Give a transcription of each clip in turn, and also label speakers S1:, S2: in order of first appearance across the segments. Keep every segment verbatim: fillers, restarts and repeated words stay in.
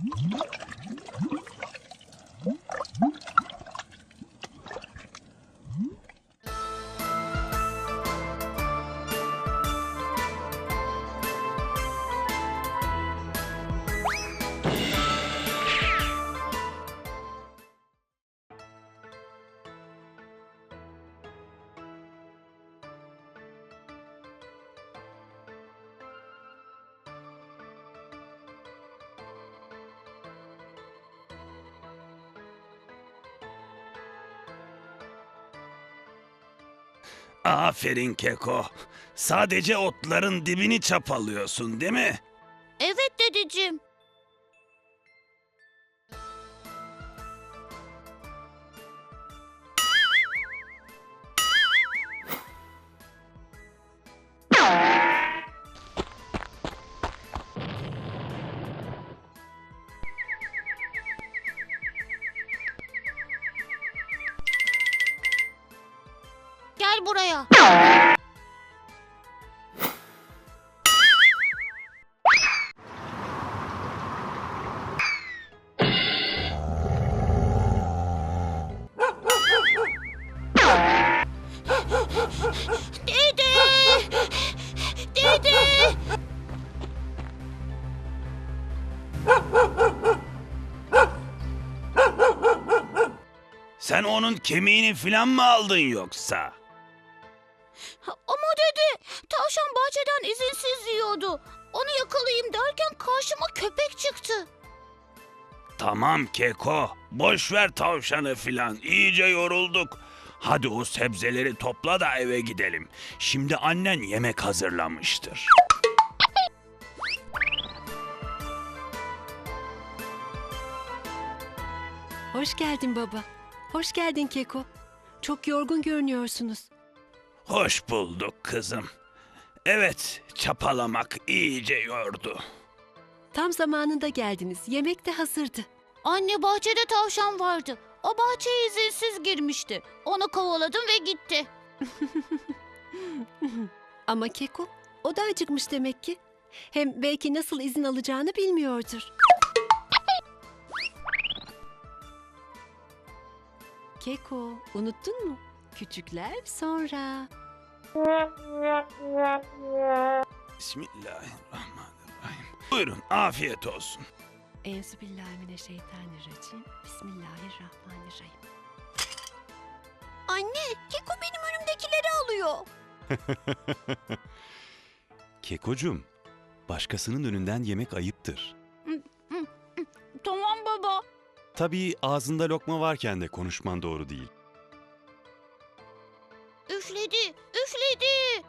S1: Aferin Keko. Sadece otların dibini çapalıyorsun, değil mi?
S2: Evet dedeciğim. Gel buraya. Dede! Dede!
S1: Sen onun kemiğini filan mı aldın yoksa?
S2: Ama dede, tavşan bahçeden izinsiz yiyordu. Onu yakalayayım derken karşıma köpek çıktı.
S1: Tamam Keko, boş ver tavşanı filan, iyice yorulduk. Hadi o sebzeleri topla da eve gidelim. Şimdi annen yemek hazırlamıştır.
S3: Hoş geldin baba. Hoş geldin Keko. Çok yorgun görünüyorsunuz.
S1: Hoş bulduk kızım. Evet, çapalamak iyice yordu.
S3: Tam zamanında geldiniz. Yemek de hazırdı.
S2: Anne, bahçede tavşan vardı. O bahçeye izinsiz girmişti. Onu kovaladım ve gitti.
S3: Ama Keko, o da acıkmış demek ki. Hem belki nasıl izin alacağını bilmiyordur. Keko, unuttun mu? Küçükler sonra.
S1: Bismillahirrahmanirrahim. Buyurun, afiyet olsun.
S3: Enzübillahimineşşeytanirracim. Bismillahirrahmanirrahim.
S2: Anne, Keko benim önümdekileri alıyor.
S4: Kekocuğum, başkasının önünden yemek ayıptır.
S2: Tamam baba.
S4: Tabii ağzında lokma varken de konuşman doğru değil.
S2: Üfledi, üfledi.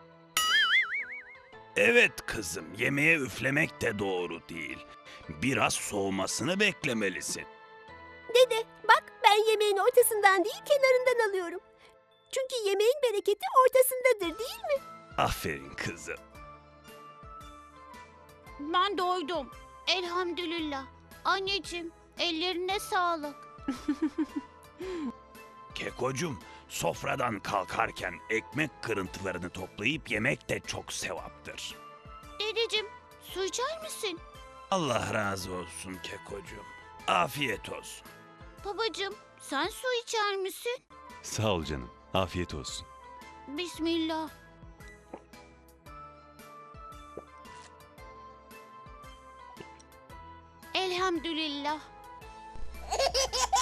S1: Evet kızım, yemeğe üflemek de doğru değil. Biraz soğumasını beklemelisin.
S5: Dede, bak ben yemeğin ortasından değil kenarından alıyorum. Çünkü yemeğin bereketi ortasındadır değil mi?
S1: Aferin kızım.
S2: Ben doydum. Elhamdülillah. Anneciğim, ellerine sağlık.
S1: Kekocum, sofradan kalkarken ekmek kırıntılarını toplayıp yemek de çok sevaptır.
S2: Dedeciğim, su içer misin?
S1: Allah razı olsun Kekocum. Afiyet olsun.
S2: Babacığım, sen su içer misin?
S4: Sağ ol canım, afiyet olsun.
S2: Bismillah. Elhamdülillah.